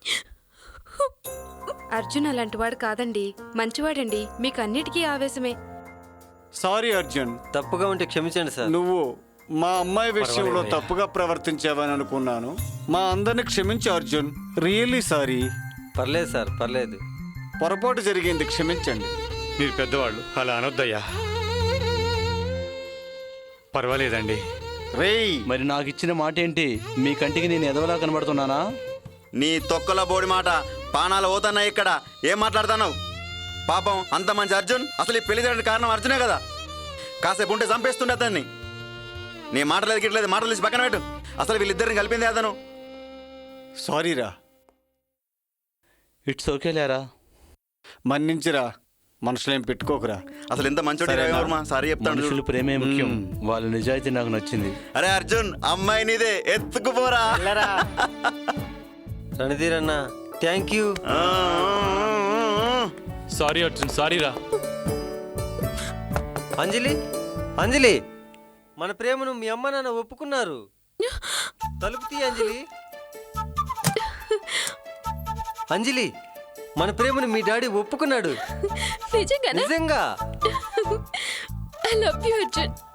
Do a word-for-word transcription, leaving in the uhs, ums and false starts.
అర్జున్ అలాంటివాడు కాదండి, మంచివాడండి. మీకు అన్నిటికీ ఆవేశమే. సారీ అర్జున్. తప్పుగా ఉంటే క్షమించండి సార్. నువ్వు మా అమ్మాయి విషయంలో తప్పుగా ప్రవర్తించావని అనుకున్నాను. మా అందరిని క్షమించు అర్జున్. Really sorry. పర్లేదు సార్, పర్లేదు. పొరపాటు జరిగింది, క్షమించండి. మీరు పెద్దవాళ్ళు, అలా అనొద్దయ్యా. పర్వాలేదండి. రేయ్, మరి నాకు ఇచ్చిన మాట ఏంటి? మీ కంటికి నేను ఎదవలా కనబడుతున్నానా? నీ తొక్కల బోడి మాట పానాలు పోతున్నాయి ఇక్కడ. ఏం మాట్లాడుతున్నావు? పాపం అంత మంచి అర్జున్ అసలు ఈ పెళ్లి జరగడానికి కారణం అర్జునే కదా. కాసేపు ఉంటే చంపేస్తుండే అతన్ని. నీ మాటలేదు గిట్లేదు, మాటలు తీసి పక్కన పెట్టు. అసలు వీళ్ళిద్దరిని కలిపింది అతను. సారీరా. ఇట్స్ ఓకే లేరా. మన్నించిరా, మనుషులేం పెట్టుకోకురా. అసలు ఎంత మంచోడు. సారీ చెప్తాను. మనుషులు ప్రేమే ముఖ్యం. వాళ్ళ నిజాయితీ నాకు నచ్చింది. అరే అర్జున్, అమ్మాయి నీదే, ఎత్తుకుపోరా. రణధీర్ అన్న, thank you. Sorry Arjun, sorry రా. అంజలి, అంజలి, మన ప్రేమను మీ అమ్మ నాన్న ఒప్పుకున్నారు. తలుపు తీ అంజలి. అంజలి, మన ప్రేమను మీ డాడీ ఒప్పుకున్నాడు. నిజంగా. I love you Arjun.